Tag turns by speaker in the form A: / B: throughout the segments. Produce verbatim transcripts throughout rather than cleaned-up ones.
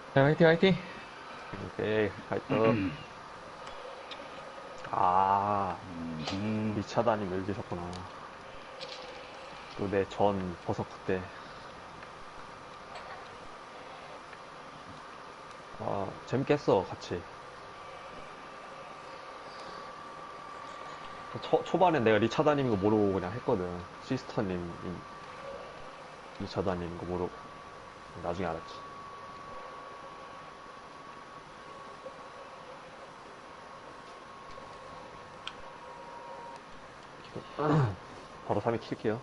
A: 자, 화이팅, 화이팅!
B: 오케이, 파이터. 아,
A: 음,
B: 리차다님 여기 계셨구나. 또 내 전 버서크 때. 아, 재밌겠어, 같이. 초, 초반엔 내가 리차다님인 거 모르고 그냥 했거든. 시스터님, 리차다님인 거 모르고. 나중에 알았지. 바로 삼 위 킬게요.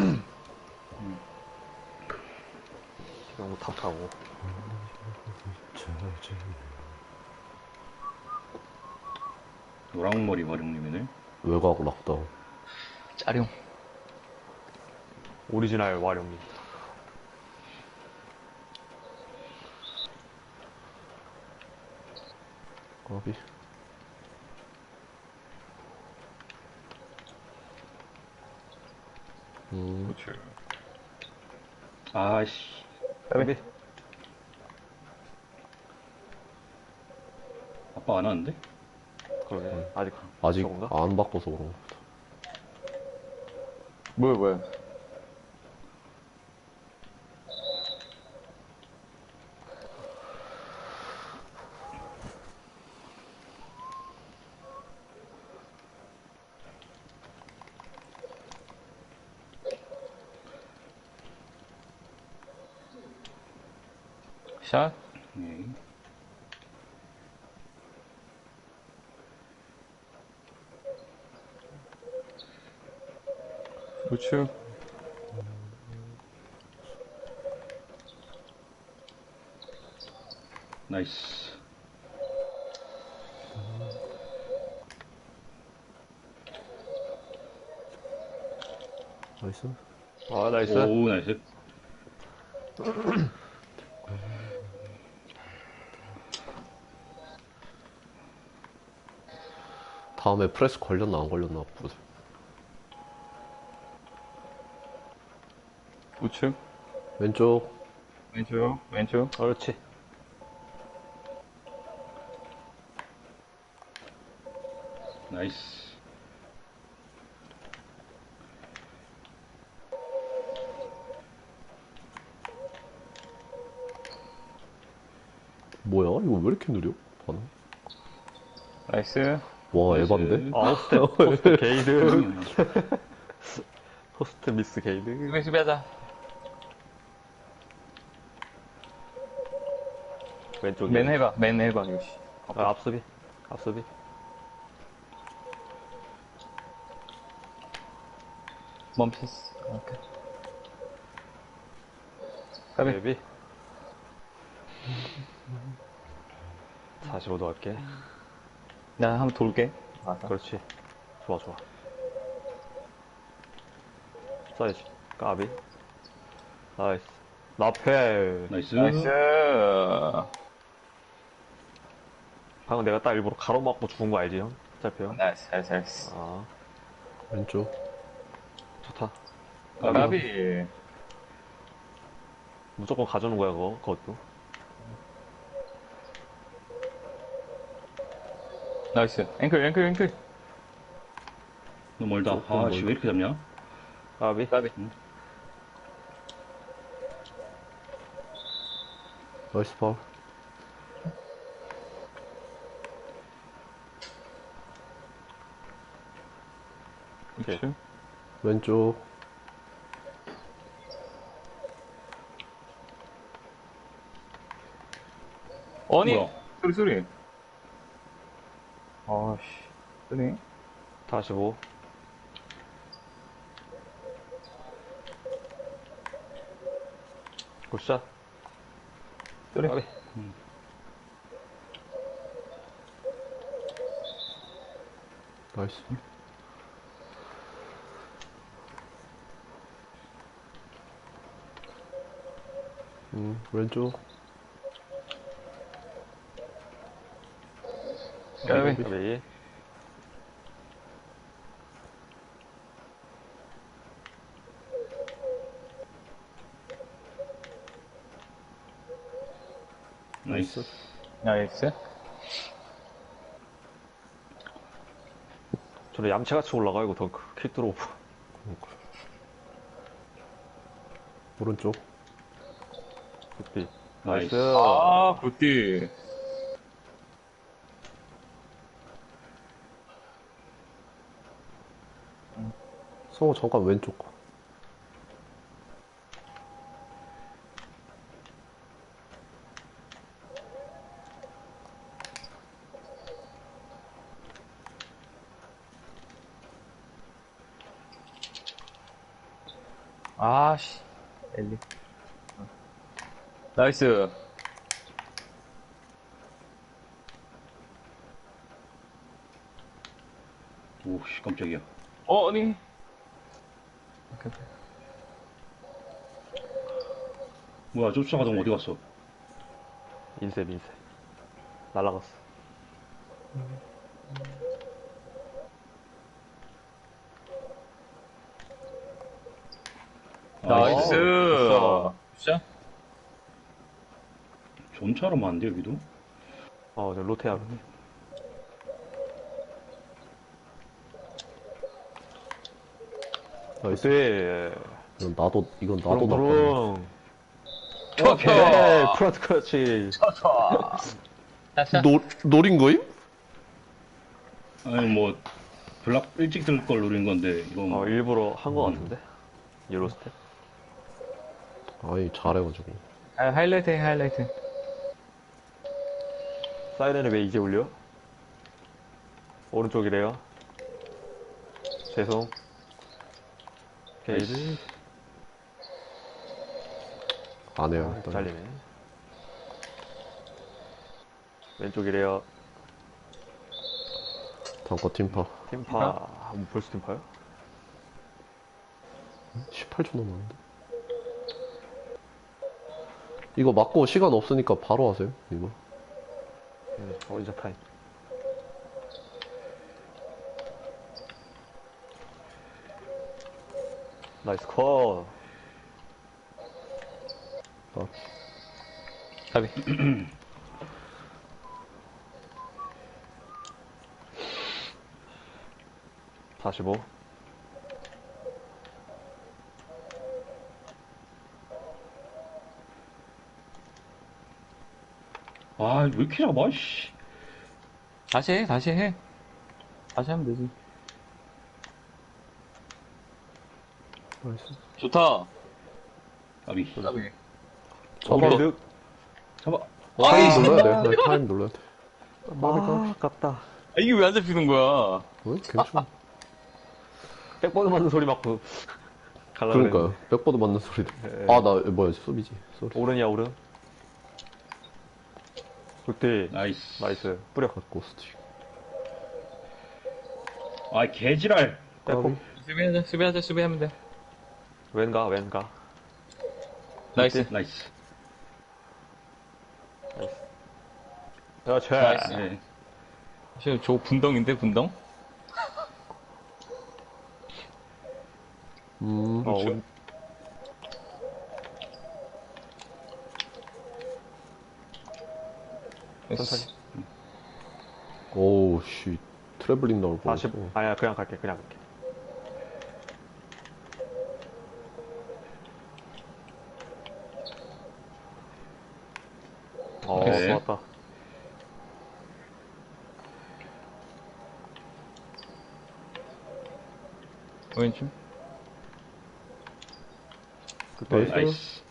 B: 너무 탑하고.
C: 노랑머리 마룡님이네.
D: 외곽 락다운.
A: 짜룡.
B: 오리지널 와룡님.
D: 까비. 음,
A: 그렇지.
C: 아씨.
B: 까비.
C: 아빠 안 하는데?
B: 그러게. 아직,
D: 아직
B: 저건가?
D: 안 바꿔서 그런 거.
A: 뭐야, 뭐야. 샷?
C: 예.
A: 우측.
C: 나이스.
D: 나이스.
B: 아, 나이스.
C: 오, 나이스.
D: 다음에 프레스 걸렸나 안 걸렸나 보자.
A: 우측.
D: 왼쪽.
A: 왼쪽, 왼쪽.
B: 그렇지.
C: 나이스.
D: 뭐야? 이거 왜 이렇게 느려? 반응?
A: 나이스.
D: 와,
C: 나이스.
D: 에반데?
B: 아, 호스트, 호스트 게이드.
C: 음,
B: 호스트 미스 게이드.
A: 수비, 수비하자.
B: 왼쪽에.
A: 맨 해봐, 맨 해봐, 역시.
B: 아, 앞수비. 앞수비.
A: 멈췄어. 오케이. 가비.
B: 데뷔. 사십오 도 할게.
A: 나 한번 돌게. 맞아.
B: 그렇지. 좋아, 좋아. 써야지. 까비. 나이스. 나페.
C: 나이스.
A: 나이스.
B: 방금 내가 딱 일부러 가로막고 죽은 거 알지, 형? 짧혀요?
A: 나이스, 나이스, 나이스.
B: 아,
D: 왼쪽.
B: 좋다.
C: 까비.
A: 가비.
B: 무조건 가져오는 거야, 그거, 그것도.
A: 나이스. 앵클, 앵클, 앵클.
C: 너무 멀다.
D: 조금
C: 아씨,
D: 멀다.
C: 왜 이렇게 잡냐?
B: 까비.
A: 가비.
D: 나이스 파울.
B: 오케이.
A: 우측.
D: 왼쪽.
A: 아니!
C: 뭐야?
A: 소리, 소리. 아씨. 소리.
B: 사십오. 굿샷.
A: 소리.
B: 까비.
D: 나이스. 음, 왼쪽.
A: 까비.
B: 까비.
C: 나이스.
A: 나이스.
B: 저는 얌체같이 올라가, 이거 덩크. 킥드로프.
D: 오른쪽.
B: 굿비.
C: 나이스.
B: 나이스.
A: 아, 굿디.
D: 성우 잠깐 왼쪽.
A: 아씨. 엘리. 나이스.
C: 오씨, 깜짝이야.
A: 어, 아니.
C: 뭐야, 쫓아가던 어디 갔어?
B: 인쇄, 인쇄. 날라갔어.
A: 나이스.
B: 어,
A: 진짜?
C: 존차로 많은데, 여기도?
B: 어, 저 로테아로.
D: 나이스.
B: 네.
D: 이건 나도, 이건 나도 나빠.
B: 부릉부릉.
A: 쳐,
B: 오케이.
A: 쳐.
B: 프라트 크러치.
A: 자,
D: 노, 노린 거임?
C: 아니, 뭐, 블락 일찍 들 걸 노린 건데, 이건.
B: 어, 일부러 한 거
C: 음.
B: 같은데? 옐로 스텝?
D: 아니, 잘해가지고.
A: 아, 하이라이트 해, 하이라이트.
B: 사이렌을 왜 이제 울려? 오른쪽이래요. 죄송. 게이지.
D: 안 해요,
B: 아,
D: 일단.
B: 잘리네. 왼쪽이래요.
D: 단거 팀파.
B: 팀파. 뭐 벌써 팀파요?
D: 십팔 초 남았는데. 이거 맞고 시간 없으니까 바로 하세요, 이거.
B: 응, 어리자 타임. 나이스 컷.
D: 아,
A: 가비.
B: 사십오.
C: 아, 왜 이렇게 잡아, 씨.
A: 다시 해, 다시 해. 다시 하면 되지.
D: 나이스.
A: 좋다.
C: 까비.
A: 가비.
D: 잡아.
B: 득.
C: 잡아.
D: 타임 눌러야 돼. 네, 타임 눌러야 돼.
B: 아, 아깝다.
A: 아, 이게 왜 안 잡히는 거야?
D: 왜? 괜찮아.
B: 백보드 맞는 소리 맞고. 갈라
D: 그러니까요. 백보드 맞는 소리도.
B: 예.
D: 아, 나, 뭐야, 수비지. 쏘리.
B: 오른이야, 오른. 굿디.
C: 나이스.
B: 나이스. 뿌려.
D: 고스틱.
C: 아, 개지랄.
B: 백보.
A: 수비하자, 수비하자, 수비하면 돼.
B: 왼가, 왼가.
A: 나이스.
C: 나이스.
B: 그렇지.
A: 나이스.
C: 네.
A: 사실 저 분덩인데, 분덩?
D: 음,
B: 어, 온, 천천히.
D: 오우, 씨. 트래블링 나올 뻔.
B: 사십. 아니야, 그냥 갈게, 그냥 갈게. 어,
C: 오케이.
B: 좋았다.
A: 왼쪽.
B: 그때
D: 나이스.
C: 나이스.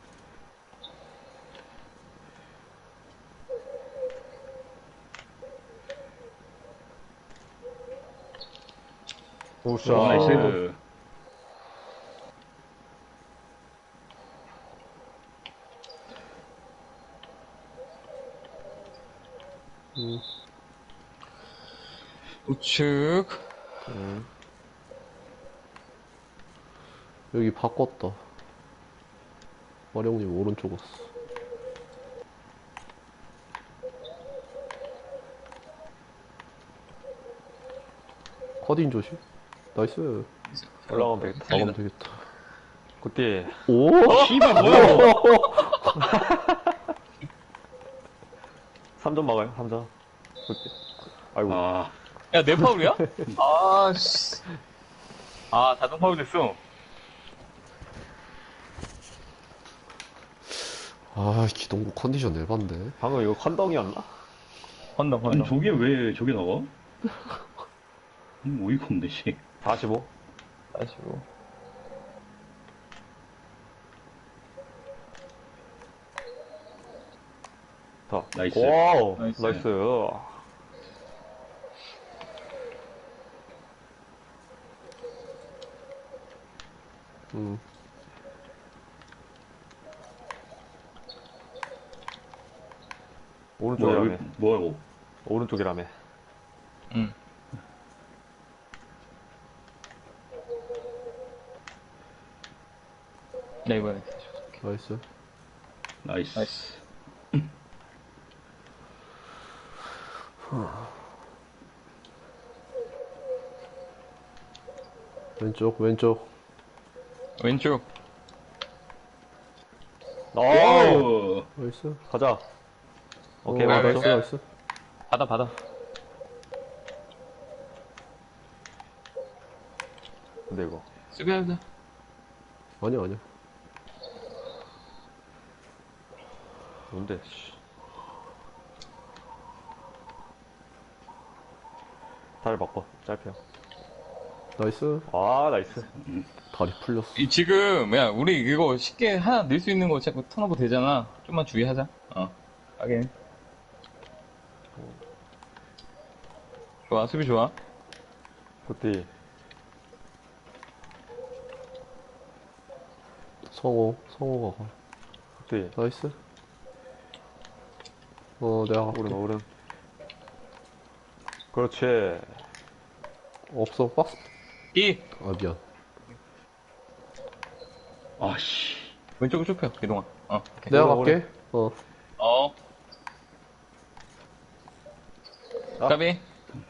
B: 오샤.
C: 나이스.
D: 음,
A: 우측.
B: 음.
D: 여기 바꿨다. 마령님 오른쪽 왔어. 커딘 조심. 나이스.
B: 올라가면 되겠다.
D: 나가면 되겠다.
B: 그때,
D: 오!
C: 씨발, 뭐야.
B: 삼 점 막아요, 삼 점. 아이고.
C: 아,
A: 야, 내 파울이야? 아, 씨. 아, 자동 파울 됐어.
D: 아, 기동부 컨디션 에반데.
B: 방금 이거 컨덩이었나?
A: 건너,
C: 아니
A: 건너.
C: 저게 왜 저게 나와? 음, 어이가 없네, 씨.
B: 사십오.
A: 다시고.
B: 더.
C: 나이스.
B: 와우.
A: 나이스.
B: 나이스.
D: 음.
C: 뭐야,
B: 오른쪽이라며.
C: 왜, 뭐야, 이거.
B: 오른쪽이라며.
A: 응. 나 이번에 다시 줄게.
D: 나이스.
C: 나이스.
A: 나이스.
D: 왼쪽, 왼쪽.
A: 왼쪽.
B: 어!
C: 오!
D: 나이스.
B: 가자. 오케이,
D: 어,
B: 맞았어.
D: 나이스, 나이스.
A: 받아, 받아.
B: 근데 이거.
A: 수비하자.
D: 아니야, 아니야.
B: 뭔데, 씨. 다리 바꿔. 짧혀.
D: 나이스.
B: 아, 나이스.
D: 다리 풀렸어.
A: 이, 지금, 야, 우리 이거 쉽게 하나 넣을 수 있는 거 자꾸 턴오버 되잖아. 좀만 주의하자. 어. 하긴. 좋아, 수비 좋아.
B: 굿디.
D: 성호, 성호가 가.
B: 굿디.
D: 나이스. 어, 내가 갈게.
B: 오른, 오른. 그렇지.
D: 없어, 박스.
A: 이!
D: 아, 미안.
C: 아씨.
A: 왼쪽으로 좁혀, 이동아. 어. 오케이.
D: 내가
B: 오래,
D: 갈게. 어.
A: 어.
B: 아.
A: 까비.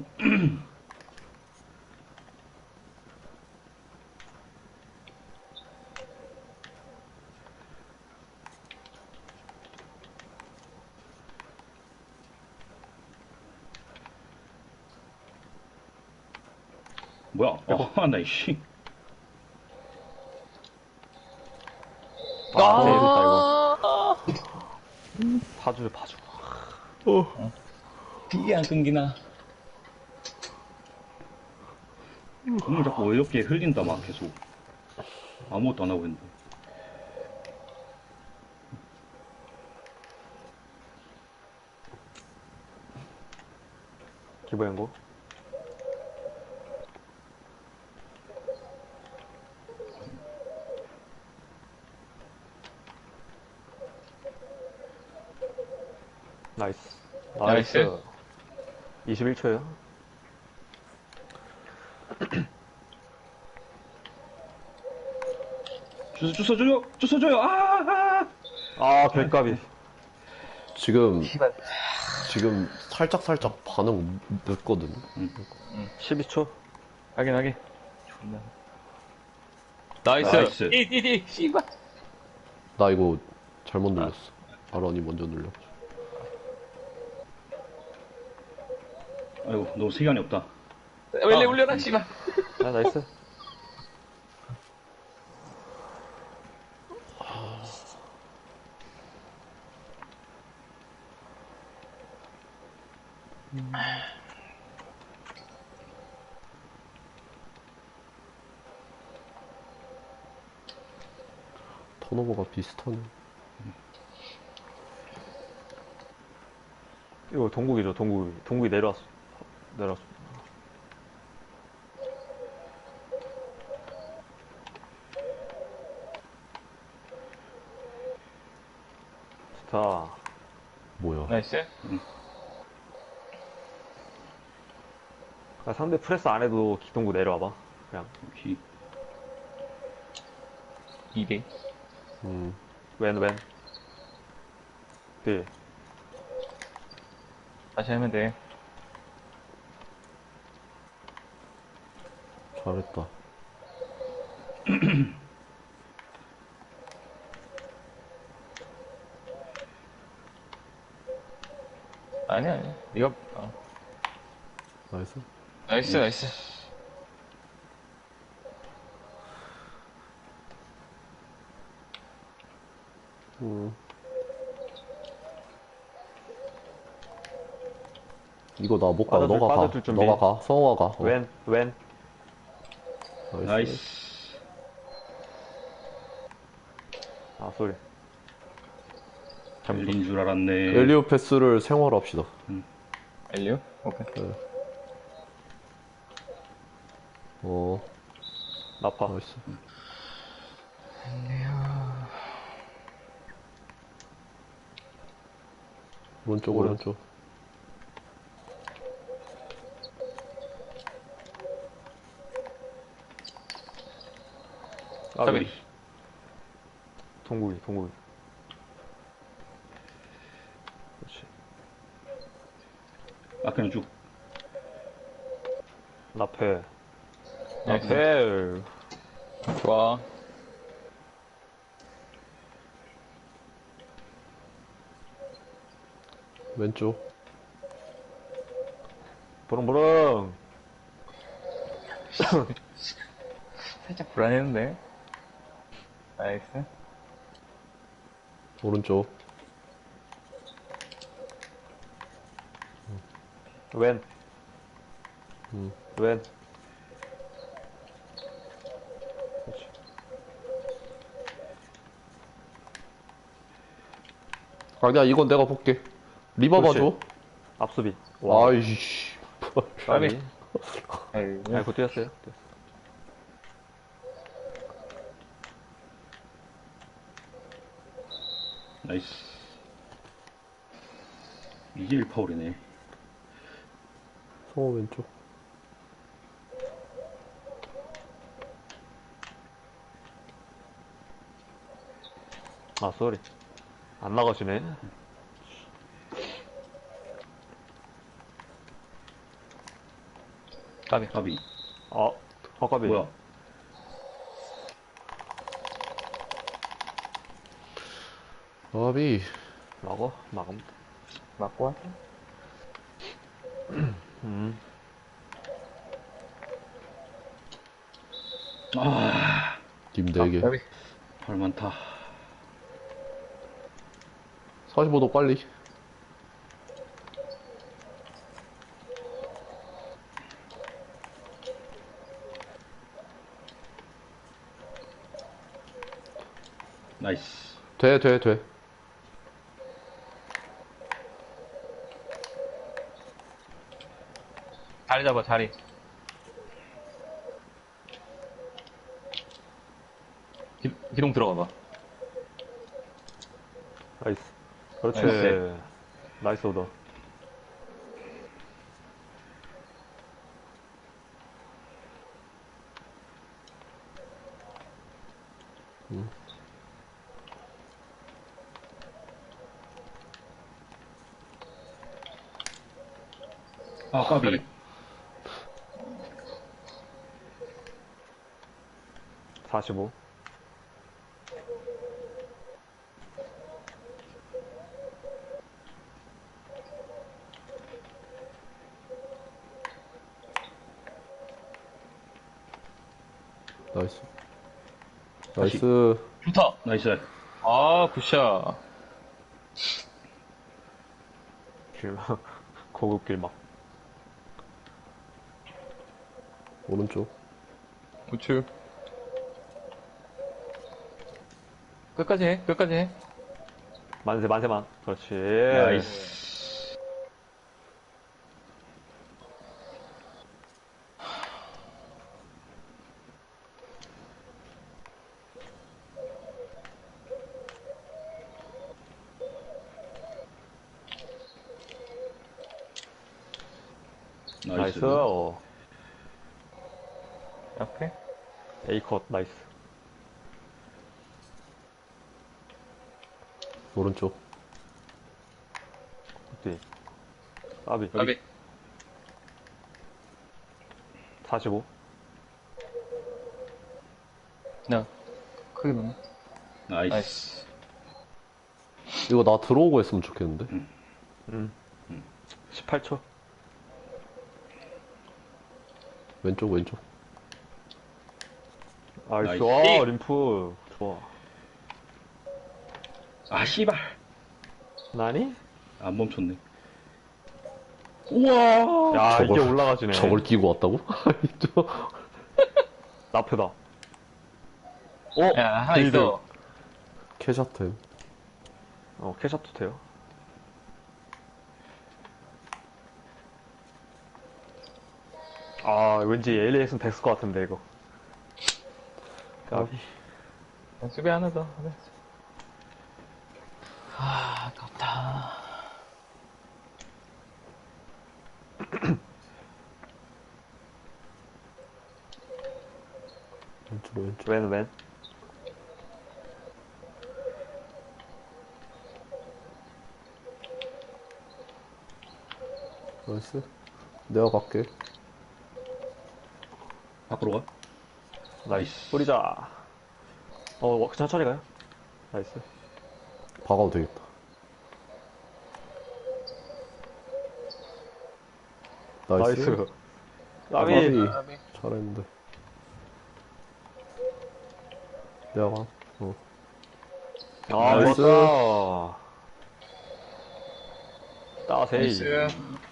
C: 뭐야? 아, 나, 씨.
B: 아, 재밌다, 이거. 파주, 파주.
A: 이게 안 끊기나.
C: 공을 자꾸 어이없게 흘린다, 막, 계속. 아무것도 안 하고 있는데.
B: 기부행고. 나이스.
A: 나이스.
B: 나이스. 이십일 초요.
C: 주소, 주소 줘요! 주소 줘요! 아, 아!
B: 아, 별값이.
D: 지금, 지금 살짝살짝 반응 늦거든.
B: 십이 초.
A: 하긴, 하긴. 존나. 나이스.
C: 나이스.
A: 이, 이, 이, 씨발.
D: 나 이거 잘못 눌렀어. 아런이 먼저 눌려.
C: 아이고, 너무 시간이 없다.
A: 원래 올려라, 씨발.
B: 아, 나이스.
D: 턴오버가 비슷하네.
B: 이거 동국이죠, 동국이. 동국이 내려왔어. 내려왔어. 좋다.
D: 뭐야.
A: 나이스.
B: 아, 상대 프레스 안 해도 기동구 내려와봐. 그냥.
C: 오케이.
A: 이 대.
D: 음,
B: 왼, 왼. 뒤.
A: 다시 하면 돼.
D: 잘했다.
A: 아니야, 아니야. 네가, 어.
D: 나이스.
A: 나이스, 나이스.
D: 음. 이거 나 못 가.
B: 빠져줄-
D: 너가 가.
B: 빠져줄 준비.
D: 너가 가. 성호가 가. 어.
B: 왼, 왼.
D: 나이스.
C: 나이스.
B: 아, 소리. 잘못
C: 열린 줄 알았네.
D: 엘리오 패스를 생활합시다.
A: 엘리오? 오케이.
D: 어,
B: 나파.
D: 나이스. 오른쪽,
B: 오른.
D: 오른쪽.
B: 까비.
A: 까비.
B: 동국이, 동국이. 그렇지.
C: 앞에는 쭉.
B: 나패.
A: 나이스.
B: 나패.
A: 좋아.
D: 왼쪽.
B: 부릉부릉.
A: 살짝 불안했는데. 나이스.
D: 오른쪽.
B: 왼.
D: 음.
B: 왼. 그렇지.
D: 아니야, 이건 내가 볼게. 리바
B: 그렇지.
D: 봐줘.
B: 앞수비.
D: 아이씨.
B: 까비.
A: 아이고.
B: 아이고, 뛰었어요. 뛰었어.
C: 나이스. 이게 일 파울이네.
D: 성호 왼쪽.
B: 아, 쏘리. 안 나가시네.
A: 까비.
C: 까비.
B: 아, 허가비.
C: 뭐야?
D: 아비.
B: 막어? 막음.
A: 맞고 왔어?
B: 음.
C: 아,
D: 님 네 개.
A: 까비.
C: 발 많다.
D: 사십오 도 빨리.
C: 나이스.
D: 돼, 돼, 돼.
A: 자리 잡아, 자리. 기, 기동 들어가 봐.
B: 나이스. 그렇지.
A: 나이스.
B: 나이스 오더.
C: 아, 까비.
B: 사십오.
D: 나이스.
C: 다시.
D: 나이스.
A: 좋다.
C: 나이스.
A: 아, 굿샷.
B: 길막. 고급 길막.
D: 오른쪽.
A: 우측. 끝까지 해, 끝까지 해.
B: 만세, 만세만. 그렇지.
C: 나이스.
B: 나이스.
C: 나이스.
B: 어.
A: 앞에.
B: A컷, 나이스.
D: 오른쪽.
B: 뒤. 까비.
A: 까비.
B: 사십오.
A: 그냥, 크게 넣네.
C: 나이스.
A: 나이스.
D: 이거 나 들어오고 했으면 좋겠는데.
B: 음. 십팔 초.
D: 왼쪽, 왼쪽.
B: 아,
C: 나이스.
B: 좋아, 림프. 좋아.
C: 아, 씨발.
B: 나니?
C: 안 멈췄네. 우와!
B: 야,
D: 저걸-
B: 이게 올라가지네.
D: 저걸 끼고 왔다고? 저-
B: 나프다. 어?
A: 야, 하나
B: 빌드.
A: 있어.
D: 캐셔트.
B: 어, 캐샵도 돼요. 아, 왠지 엘에이에스는 백스 것 같은데, 이거. 까비.
A: 수비 하나 더. 하나. 아, 아깝다.
D: 왼쪽, 왼쪽.
B: 웬, 웬?
D: 나이스. 내가 갈게.
C: 밖으로 가?
B: 나이스. 뿌리자. 어, 천천히 가요. 나이스.
D: 박아도 되겠다. 나이스.
B: 나이스.
D: 까비.
B: 까비.
D: 잘했는데. 내가 가. 어.
B: 아,
D: 나이스.
B: 좋았다. 따세이.
A: 나이스.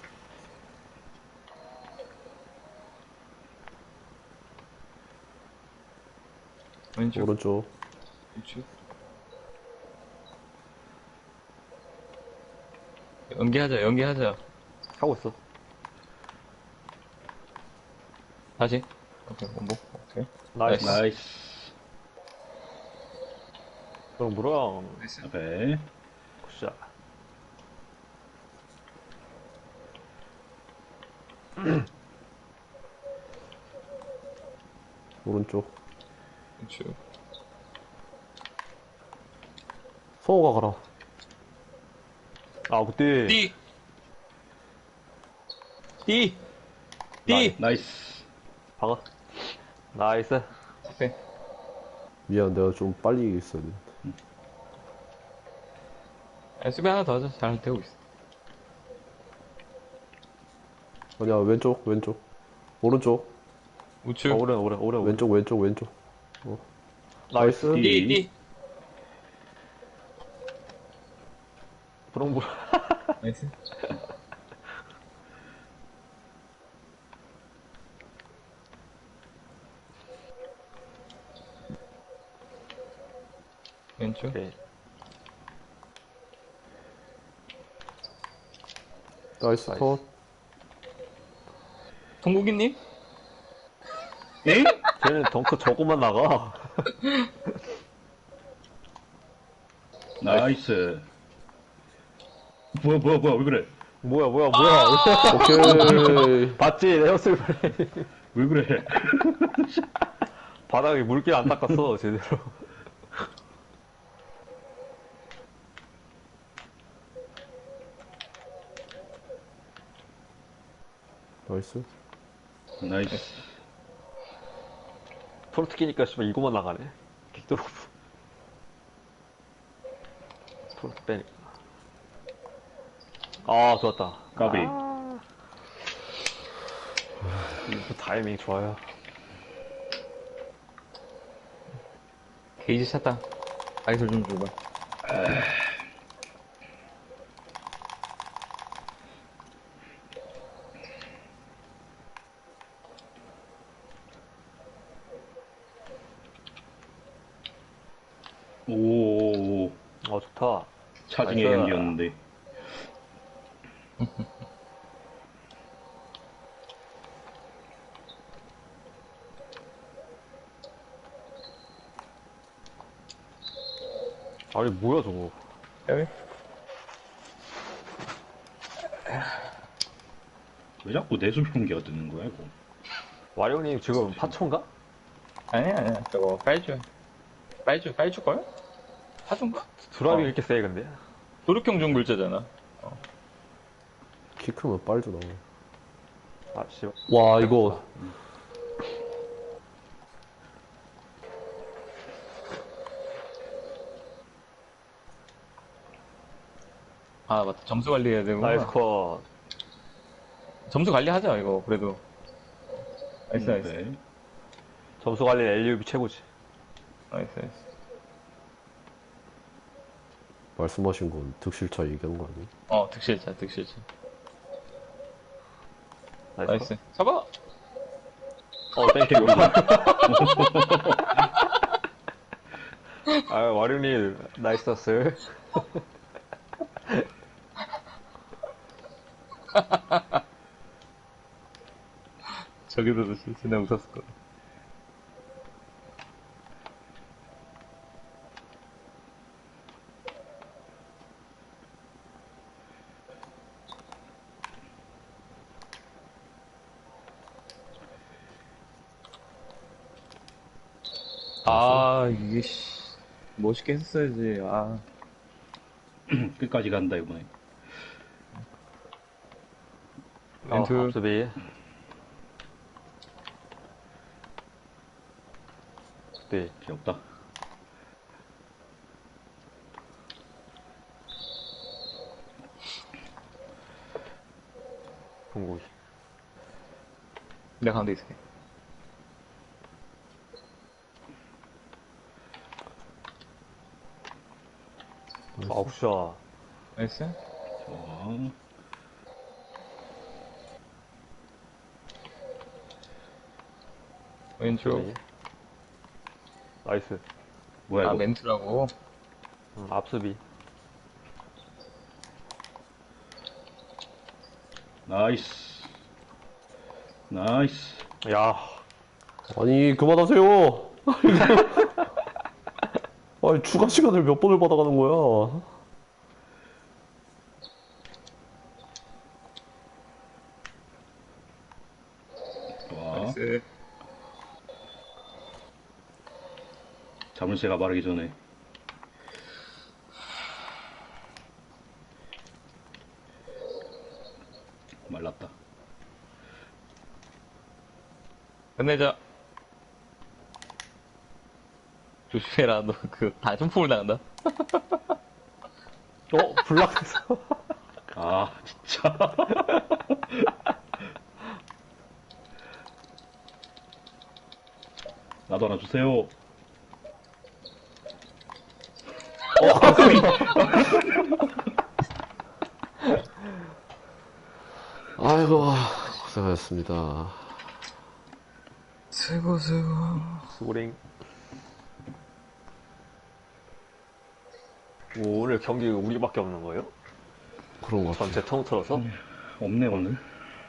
A: 왼쪽.
D: 오른쪽.
A: 왼쪽. 연기하자, 연기하자.
B: 하고 있어.
A: 다시. 오케이, 원복. 오케이.
B: 나이스.
C: 나이스.
B: 그럼 무랑.
A: 나이스.
C: 오케이.
B: 굿샷.
D: 오른쪽.
A: 왼쪽.
D: 성호가 가라.
B: 아, 그때.
A: 띠! 띠! 띠!
C: 나이스.
B: 박아. 나이스.
A: 오케이.
D: 미안, 내가 좀 빨리 있어야 돼.
A: 야, 수비 하나 더 하자. 잘 되고 있어.
D: 아니야, 왼쪽, 왼쪽. 오른쪽.
A: 우측.
B: 어, 오른, 오른, 오른.
D: 왼쪽, 왼쪽, 왼쪽.
B: 나이스.
C: 띠.
A: 띠! 띠!
B: 브롱, 브롱.
A: 나이스. 왼쪽.
B: 오케이.
D: 나이스
B: 나이스.
D: 컷.
A: 동국이님?
C: 엥?
B: 쟤는 덩크 저거만 나가.
C: 나이스. 뭐야, 뭐야, 뭐야, 왜 그래?
B: 뭐야, 뭐야, 뭐야.
D: 오케이.
B: 봤지? 에어슬 플레이.
C: 왜 그래?
B: 바닥에 물길 안 닦았어, 제대로.
D: 나이스.
C: 나이스.
B: 토르트 끼니까 씨발 이거만 나가네. 킥드로프. 토르트 빼니까. 아, 좋았다.
C: 까비.
B: 아. 이거 타이밍 좋아요.
A: 게이지 찼다. 아이솔 좀 줘봐.
C: 오,
B: 아, 좋다.
C: 차징의
B: 나이스.
C: 경기였는데.
B: 아니, 뭐야, 저거.
A: 여기?
C: 왜 자꾸 내 수비 경기가 뜨는 거야, 이거?
B: 와룡님 지금 파초인가?
A: 아니야, 아니야. 저거, 빨주. 빨주, 빨주걸? 사준가?
B: 드랍이
A: 어.
B: 이렇게 세, 근데.
A: 도륙형 종 글자잖아.
D: 키 크면 빨주 나와.
B: 아, 씨발.
D: 와, 이거.
A: 아, 맞다. 점수 관리해야 되고.
B: 나이스 컷.
A: 점수 관리하자, 이거, 그래도. 나이스, 나이스.
C: 네.
B: 점수 관리 엘유비 최고지.
A: 나이스, 나이스.
D: 말씀하신 건 득실차 얘기한 거 아니에요?
A: 어, 득실자, 득실자.
B: 나이스.
A: 나이스. 잡아!
B: 어, 땡큐. 아, 와룡님, 나이스 었어요.
A: 저기서도 진짜 웃었을 거야. 아, 이게, 씨. 멋있게 했어야지, 아.
C: 끝까지 간다, 이번에.
B: 어,
A: 멘트.
B: 앞수비. 네.
C: 귀엽다.
B: 동국이.
A: 내가 가운데 있을게.
B: 아, 굿샷.
A: 나이스.
C: 좋아.
A: 왼쪽.
B: 네. 나이스.
C: 뭐야,
A: 아,
C: 이거.
A: 멘트라고.
B: 음, 앞수비.
C: 나이스. 나이스.
B: 야,
D: 아니, 그만하세요! 아니, 추가 시간을 몇 번을 받아가는 거야?
C: 좋아.
A: 나이스.
C: 자물쇠가 마르기 전에. 말랐다.
A: 끝내자. 조심해라, 너 그, 다중폭을 나간다.
B: 어, 블락했어.
C: 아, 진짜. 나도 하나 주세요.
D: 아이고, 고생하셨습니다.
A: 세고, 세고.
B: 수고링. 오, 오늘 경기 우리밖에 없는 거예요?
D: 그런 거 같아.
B: 전체 통틀어서?
C: 없네, 오늘.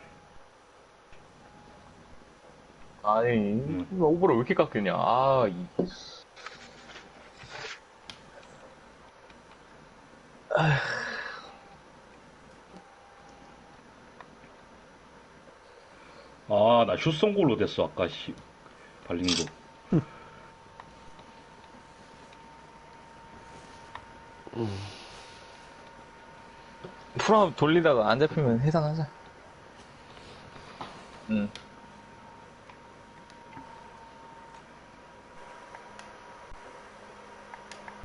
A: 아니, 오버를 왜 이렇게 깎였냐. 아, 이.
C: 아, 나 슛 쏜 걸로 됐어, 아까, 씨. 발린 거.
A: 풀업 돌리다가 안 잡히면 해산하자. 응.